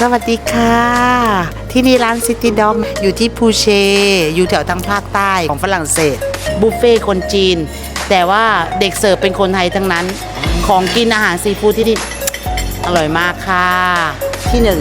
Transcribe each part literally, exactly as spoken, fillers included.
วัสดีค่ะที่นี่ร้านซิตี้ด็อกอยู่ที่พูเชอยู่แถวทางภาคใต้ของฝรั่งเศสบุฟเฟ่คนจีนแต่ว่าเด็กเสิร์ฟเป็นคนไทยทั้งนั้นของกินอาหารซีฟู้ดที่นี่อร่อยมากค่ะที่หนึ่ง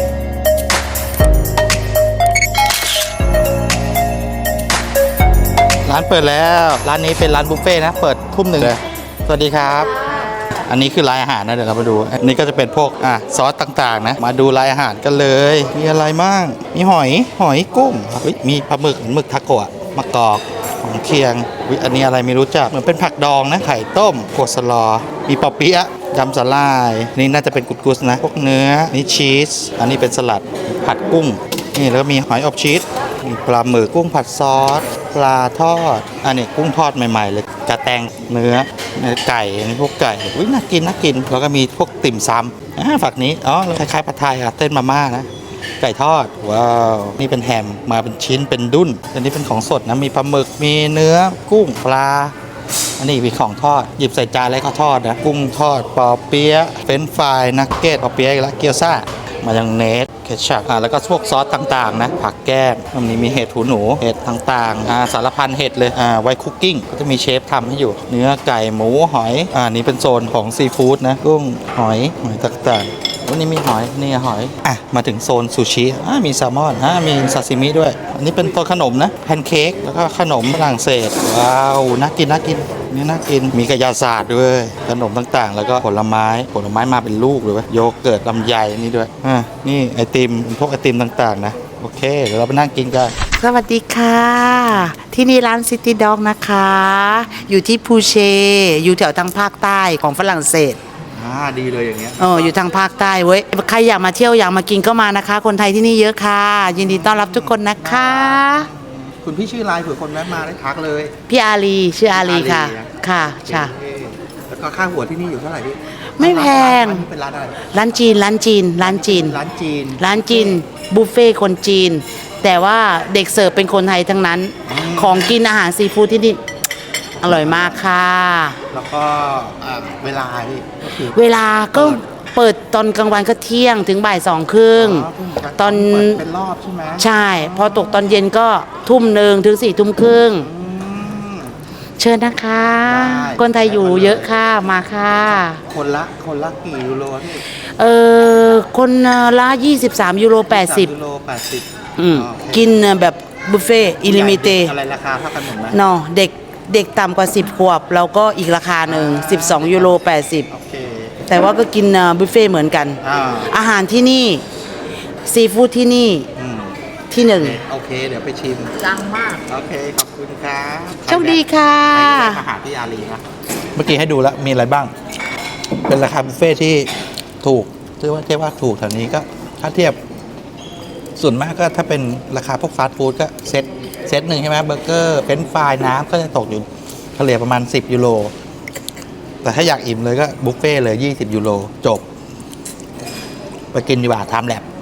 ร้านเปิดแล้วร้านนี้เป็นร้านบุฟเฟ่นะเปิดทุ่มหนึ่งเลยสวัสดีครับอันนี้คือรายอาหารนะเดี๋ยวเรามาดูอันนี้ก็จะเป็นพวกอ่ะซอสต่างๆนะมาดูรายอาหารกันเลยมีอะไรบ้างมีหอยหอยกุ้งมีปลาหมึกหมึกทาโกะมะกอกของเคียงอันนี้อะไรไม่รู้จักเหมือนเป็นผักดองนะไข่ต้มโคสลอมีปอเปี๊ยะยำสลายนี่น่าจะเป็นกุดกุสนะพวกเนื้อนี่ชีสอันนี้เป็นสลัดผัดกุ้งนี่แล้วก็มีหอยอบชีสมีปลาหมึกกุ้งผัดซอสปลาทอดอันนี้กุ้งทอดใหม่ๆเลยกระแตงเนื้อไก่อันนี้พวกไก่อุ้ยน่ากินน่ากินแล้วก็มีพวกติ่มซำอ่าฝักนี้อ๋อคล้ายๆผัดไทยอะเต้นมาม่านะไก่ทอดว้าวนี่เป็นแฮมมาเป็นชิ้นเป็นดุ้นอันนี้เป็นของสดนะมีปลาหมึกมีเนื้อกุ้งปลาอันนี้มีของทอดหยิบใส่จานแล้วก็ทอดนะกุ้งทอดปอเปี๊ยะเฟรนช์ฟรายนักเก็ตปอเปี๊ยะอีกแล้วเกี๊ยวซ่ามายองเนสเคชัพอ่าแล้วก็พวกซอสต่างๆนะผักแก้มมันนี้มีเห็ดหูหนูเห็ดต่างๆอ่าสารพันเห็ดเลยอ่าไว้คุกกิ้งก็จะมีเชฟทำให้อยู่เนื้อไก่หมูหอยอ่านี่เป็นโซนของซีฟู้ดนะกุ้งหอยหอยต่างๆวันนี้มีหอยนี่หอยอ่ะมาถึงโซนซูชิอ่ามีแซลมอนอ่ามีซาซิมิด้วยอันนี้เป็นตัวขนมนะแพนเค้กแล้วก็ขนมฝรั่งเศสว้าวน่ากินน่ากินนี่น่ากินมีกระยาศาสตร์ด้วยขนมต่างๆแล้วก็ผลไม้ผลไม้มาเป็นลูกเลยโยเกิร์ตลำไยนี่ด้วยอ่านี่ไอติมพวกไอติมต่างๆนะโอเคเดี๋ยวเราไปนั่งกินกันสวัสดีค่ะที่นี่ร้านซิตี้ด็อกนะคะอยู่ที่พูเชอยู่แถวทางภาคใต้ของฝรั่งเศสอ่าดีเลยอย่างเงี้ยเอออยู่ทางภาคใต้เว้ยใครอยากมาเที่ยวอยากมากินก็มานะคะคนไทยที่นี่เยอะค่ะยินดีต้อนรับทุกคนนะคะคุณพี่ชื่ออะไรเผื่อคนแวะมาได้ทักเลยพี่อาลีชื่ออาลีค่ะค่ะใช่แล้วก็ค่าหัวที่นี่อยู่เท่าไหร่พี่ไม่แพงเป็นร้านอะไรร้านจีนร้านจีนร้านจีนร้านจีนร้านจีนบุฟเฟ่คนจีนแต่ว่าเด็กเสิร์ฟเป็นคนไทยทั้งนั้นของกินอาหารซีฟู้ดที่นี่อร่อยมากค่ะแล้วก็เวลาพี่เวลาก็เปิดตอนกลางวันก็เที่ยงถึงบ่ายสองครึ่งตอนเป็นรอบใช่ไหมใช่พอตกตอนเย็นก็ทุ่มหนึ่งถึงสี่ทุ่มครึ่งเชิญนะคะคนไทยอยู่เยอะค่ะมาค่ะคนละคนละกี่ยูโรพี่เออคนละยี่สิบสามยูโรแปดสิบยูโรแปดสิบอืมกินแบบบุฟเฟ่อิลิมิเตอะไรราคาเท่ากันหมดไหมเนาะเด็กเด็กต่ำกว่าสิบขวบเราก็อีกราคาหนึ่งสิบสองยูโรแปดสิบแต่ว่าก็กินบุฟเฟ่เหมือนกันอาหารที่นี่ซีฟู้ดที่นี่ที่หนึ่งโอเคเดี๋ยวไปชิมดังมากโอเคขอบคุณครับโชคดีค่ะอาหารที่อาลีนะเมื่อกี้ให้ดูแล้วมีอะไรบ้างเป็นราคาบุฟเฟ่ที่ถูกถือว่าเทียบว่าถูกแถวนี้ก็ถ้าเทียบส่วนมากก็ถ้าเป็นราคาพวกฟาสต์ฟู้ดก็เซตเซตหนึ่งใช่ไหมเบอร์เกอร์เฟรนช์ฟรายน้ำก็จะตกอยู่เฉลี่ยประมาณสิบยูโรแต่ถ้าอยากอิ่มเลยก็บุฟเฟ่เลยยี่สิบยูโรจบไปกินดีกว่าทำแลบ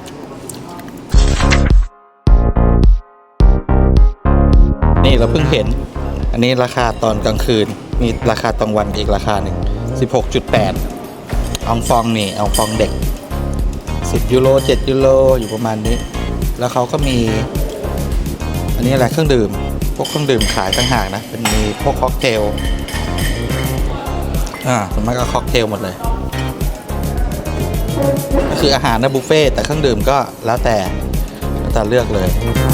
นี่เราเพิ่งเห็นอันนี้ราคาตอนกลางคืนมีราคาตอนวันอีกราคาหนึ่ง สิบหกจุดแปด อองฟองนี่อองฟองเด็กสิบยูโรเจ็ดยูโรอยู่ประมาณนี้แล้วเขาก็มีอันนี้อะไรเครื่องดื่มพวกเครื่องดื่มขายต่างหากนะเป็นมีพวกค็อกเทลอ่าส่วนมากก็ค็อกเทลหมดเลยก็คืออาหารนะบุฟเฟ่แต่เครื่องดื่มก็แล้วแต่แล้วแต่เลือกเลย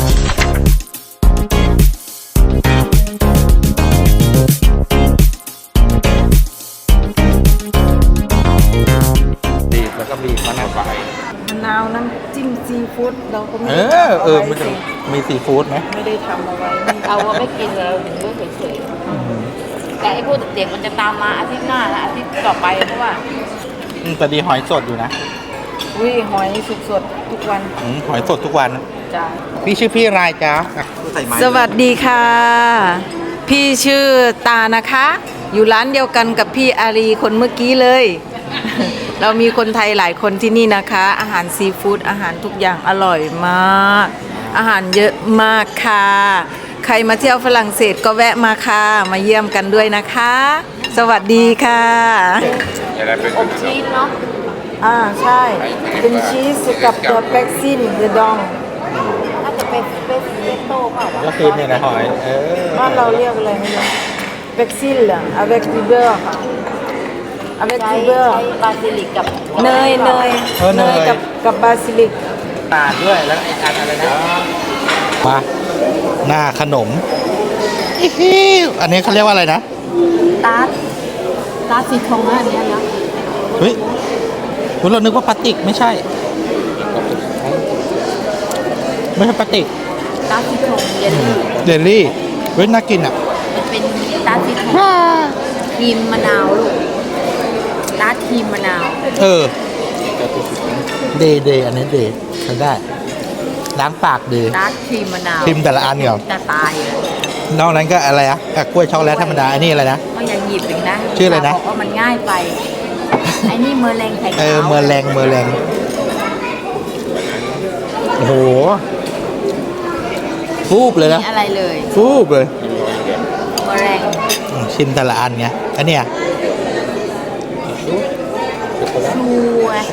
ดีแล้วก็มีมะนาวไฟมะนาวน้ำจิ้มซีฟู้ดเราก็ไม่ได้ทำเอาไว้สิมีซีฟู้ดไหมไม่ได้ทำเอาไว้เอาว่าไม่กินเราถึงเมื่อเฉยๆแต่ไอ้พวกเด็กๆมันจะตามมาอาทิตย์หน้าและอาทิตย์ต่อไปเพราะว่าแต่ดีหอยสดอยู่นะอุ้ยหอยสดสดทุกวันหอยสดทุกวันจ้าพี่ชื่อพี่อะไรจ๊ะสวัสดีค่ะพี่ชื่อตานะคะอยู่ร้านเดียวกันกับพี่อารีคนเมื่อกี้เลยเรามีคนไทยหลายคนที่นี่นะคะอาหารซีฟู้ดอาหารทุกอย่างอร่อยมากอาหารเยอะมากค่ะใครมาเที่ยวฝรั่งเศสก็แวะมาค่ะมาเยี่ยมกันด้วยนะคะสวัสดีค่ะอบชีสเนาะอ่าใช่ เป็นชีสกับตัวแบ็กซินเดดองน่าจะเป็นเป็นเปโต้เปล่าวะก็คือเนี่ยนะหอย เออบ้านเราเรียกอะไรไม่รู้แบ็กซินเหรอ avec du beurre ค่ะ avec ใช้ du beurre ใช้บาซิลิกกับเนยเนยเออเนยกับกับบาซิลิกตาลด้วย แล้วไอ้อันอะไรนะ มา หน้าขนมอิฮิวอันนี้เขาเรียกว่าอะไรนะตาร์ตตาร์ตสีทองอันเนี้ยนะเฮ้ยคุณเรานึกว่าพลาสติกไม่ใช่ ไม่ใช่พลาสติกตาร์ตสีทองเยลลี่เดลลี่ เฮ้ยน่ากินอ่ะมันเป็นตาร์ตสีทองครีมมะนาวลูกตาร์ตครีมมะนาวเออ เดย์เดย์อันนี้เดย์ใช้ได้ ล้างปากดีตาร์ตครีมมะนาวพิมพ์แต่ละอันก่อนจะตายเลยนอกนั้นก็อะไรอะอ่ะกล้วยช็อกโกแลตธรรมดา อันนี้อะไรนะก็อย่าหยิบอีกนะชื่ออะไรนะบอกว่ามันง่ายไปไอ้นี่เมอร์แรงไข่เอขาวอ เมอร์แรงเมอร์แรงโอ้โห ฟูบเลยนะมีอะไรเลยฟูบเลยเมอร์แรงอืมชิมแต่ละอันไง อันเนี้ยชูไง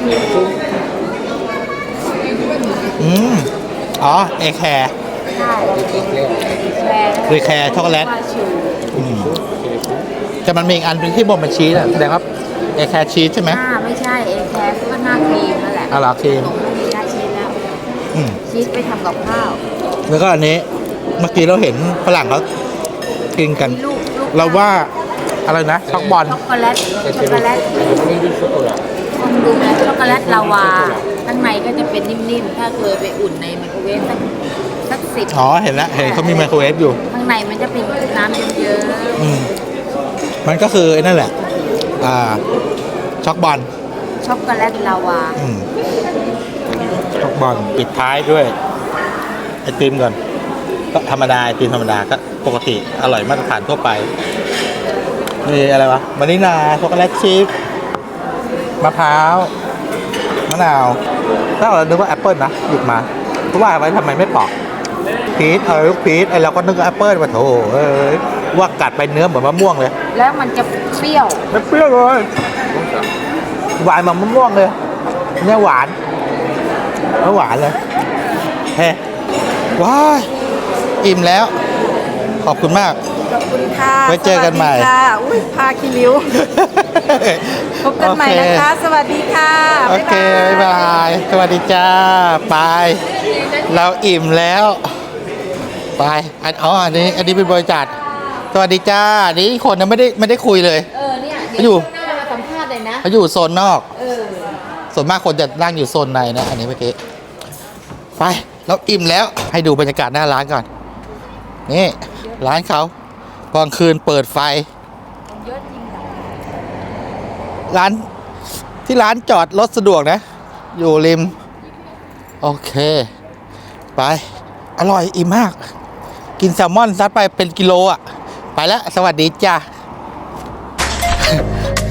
อืม อ๋อ เอแคร์ใช่แชร์เอแคร์ช็อกโกแลตว่าชูอืมแต่มันมีอีกอันเป็นที่บนมันชีสอะแสดงว่าเอแคร์ชีสใช่ไหมหน้าไม่ใช่เอแคร์ก็หน้าครีมนั่นแหละอ๋อเหรอครีมตรงนี้หน้าชีสแล้วอืมชีสไปทำกับข้าวแล้วก็อันนี้ เมื่อกี้เราเห็นฝรั่งเขากินกันมีลูกลูกเราว่าอะไรนะ ช็อกบอลช็อกโกแลตช็อกโกแลตลองดูนะช็อกโกแลตลาวาข้างในก็จะเป็นนิ่มๆ ถ้าเคยไปอุ่นในไมโครเวฟสักสักสิบอ๋อ เห็นแล้ว เห็นเขามีไมโครเวฟอยู่ข้างในมันจะเป็นน้ำเยอะอืม มันก็คือไอ้นั่นแหละ อ่า ช็อกบอลๆช็อกโกแลตลาวาอืมช็อกบอลปิดท้ายด้วย ไอติมก่อน ก็ธรรมดาไอติมธรรมดาก็ปกติอร่อยมาตรฐานทั่วไปนี่อะไรวะวานิลาช็อกโกแลตชิพมะพร้าวมะนาวถ้าเรานึกว่าแอปเปิลนะหยิบมาเพราะว่าไว้ทำไมไม่ปอกพีชเออลูกพีชไอเราก็นึกว่าแอปเปิลมาโถเอ้ยว่ากัดไปเนื้อเหมือนมะม่วงเลยแล้วมันจะเปรี้ยวไม่เปรี้ยวเลยหวานเหมือนมะม่วงเลยเนี่ยหวานแล้วหวานเลยเฮ้ว้ายอิ่มแล้ว ขอบคุณมากขอบคุณค่ะไว้เจอกันใหม่สวัสดีค่ะอุ้ยพาคิริว พบกันใหม่นะคะ สวัสดีค่ะโอเค บ๊ายบาย สวัสดีจ้าไปเราอิ่มแล้ว ไปอันอ๋ออันนี้ อันนี้เป็นบริษัทสวัสดีจ้า นี่คนยังไม่ได้ไม่ได้คุยเลยเออเนี่ยเขาอยู่หน้ามาสัมภาษณ์เลยนะเขาอยู่โซนนอกเออส่วนมากคนจะนั่งอยู่โซนในนะ อันนี้เมื่อกี้ ไป เราอิ่มแล้ว ให้ดูบรรยากาศหน้าร้านก่อน นี่ ร้านเขาตอนคืนเปิดไฟเยอะจริงอะร้านที่ร้านจอดรถสะดวกนะ อยู่ริม โอเค ไป อร่อยอิ่มมาก กินแซลมอนซัดไปเป็นกิโลอ่ะ ไปแล้ว สวัสดีจ้า